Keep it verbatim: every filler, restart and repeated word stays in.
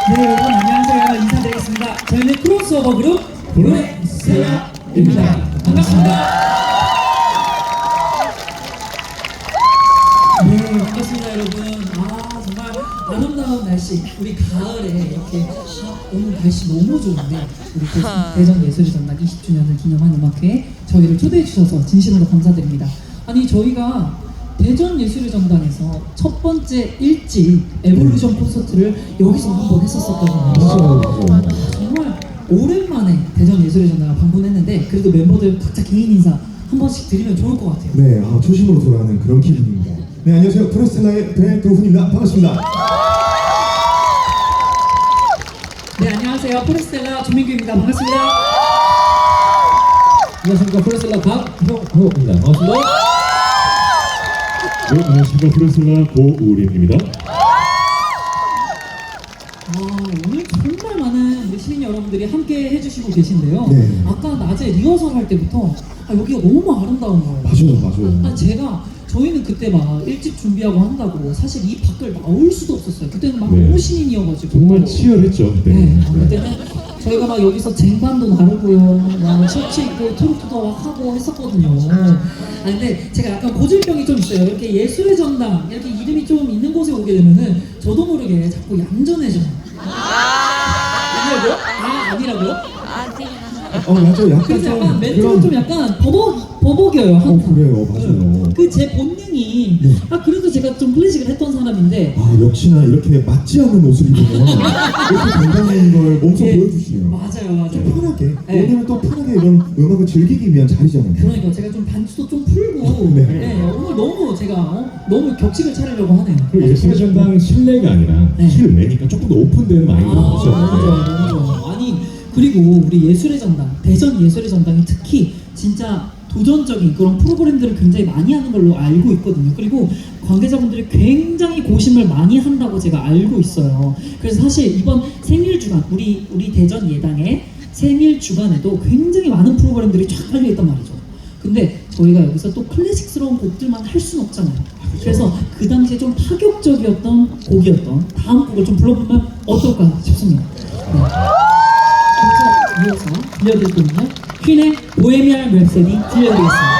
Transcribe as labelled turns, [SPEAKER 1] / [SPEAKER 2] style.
[SPEAKER 1] 네, 여러분 안녕하세요. 인사드리겠습니다. 저희는 크로스오버 그룹 브루셀라입니다. 반갑습니다. 네, 반갑습니다, 여러분. 아, 정말 아름다운 날씨, 우리 가을에 이렇게 아, 오늘 날씨 너무 좋은데 우리 대전 예술의 전당 이십 주년을 기념한 음악회에 저희를 초대해 주셔서 진심으로 감사드립니다. 아니, 저희가 대전 예술의 전당에서 첫 번째 일집 에볼루션 콘서트를 여기서 한번 했었었거든요. 정말 오랜만에 대전 예술의 전당을 방문했는데 그래도 멤버들 각자 개인 인사 한 번씩 드리면 좋을 것 같아요.
[SPEAKER 2] 네, 아, 초심으로 돌아가는 그런 기분입니다. 네, 안녕하세요. 프로스텔라의 배도훈입니다. 반갑습니다.
[SPEAKER 1] 네, 안녕하세요. 포레스텔라 조민규입니다. 반갑습니다. 안녕하십니까. 포레스텔라 박형호입니다. 반갑습니다.
[SPEAKER 3] 네, 안녕하십니까. 프로스텔라 고우림입니다.
[SPEAKER 1] 아, 오늘 정말 많은 우리 시민 여러분들이 함께 해주시고 계신데요.
[SPEAKER 2] 네.
[SPEAKER 1] 아까 낮에 리허설 할 때부터 아, 여기가 너무 아름다운 거예요.
[SPEAKER 2] 맞아요, 맞아요.
[SPEAKER 1] 아, 제가 저희는 그때 막 일집 준비하고 한다고 사실 이 밖을 나올 수도 없었어요. 그때는 막
[SPEAKER 3] 네.
[SPEAKER 1] 너무 신인이어가지고
[SPEAKER 3] 정말 치열했죠, 그때.
[SPEAKER 1] 네, 아, 그때는 저희가 막 여기서 쟁반도 나르고요, 막 셔츠 입고 트로트도 막 하고 했었거든요. 아 근데 제가 약간 고질병이 좀 있어요. 이렇게 예술의 전당 이렇게 이름이 좀 있는 곳에 오게 되면은 저도 모르게 자꾸 얌전해져요. 아니라고요? 아 아니라고요?
[SPEAKER 2] 어, 맞아요. 약간
[SPEAKER 1] 그래서
[SPEAKER 2] 좀
[SPEAKER 1] 약간 멘트가
[SPEAKER 2] 그런-
[SPEAKER 1] 좀 약간 버벅 버벅여요. 항상.
[SPEAKER 2] 어, 그래요, 맞아요.
[SPEAKER 1] 그 제 본능이
[SPEAKER 2] 네.
[SPEAKER 1] 아 그래도 제가 좀 클래식을 했던 사람인데
[SPEAKER 2] 아, 역시나 이렇게 맞지 않는 옷을 입으면 이렇게 건강한 걸 몸소
[SPEAKER 1] 예,
[SPEAKER 2] 보여주시네요.
[SPEAKER 1] 맞아요, 맞아요.
[SPEAKER 2] 좀 편하게.
[SPEAKER 1] 네.
[SPEAKER 2] 왜냐면 또 편하게 이런 음악을 즐기기 위한 자리잖아요.
[SPEAKER 1] 그러니까 제가 좀 반주도 좀 풀고
[SPEAKER 2] 네.
[SPEAKER 1] 네, 오늘 너무 제가 어, 너무 격식을 차리려고 하네요.
[SPEAKER 3] 그리고 예술의 전당 실내가 아니라
[SPEAKER 1] 네.
[SPEAKER 3] 실외니까 조금 더 오픈된 마인드로
[SPEAKER 1] 아,
[SPEAKER 3] 하죠.
[SPEAKER 1] 너무 좋아, 너무 좋아. 아니 그리고 우리 예술의 전당, 대전 예술의 전당이 특히 진짜 도전적인 그런 프로그램들을 굉장히 많이 하는 걸로 알고 있거든요. 그리고 관계자분들이 굉장히 고심을 많이 한다고 제가 알고 있어요. 그래서 사실 이번 생일 주간, 우리 우리 대전 예당의 생일 주간에도 굉장히 많은 프로그램들이 쫙 깔려 있단 말이죠. 근데 저희가 여기서 또 클래식스러운 곡들만 할 수는 없잖아요. 그래서 그 당시에 좀 파격적이었던 곡이었던 다음 곡을 좀 불러보면 어떨까 싶습니다. 네. 그래서 이어서 들려드릴 곡은요, 퀸의 보헤미안 랩소디 들려드리겠습니다.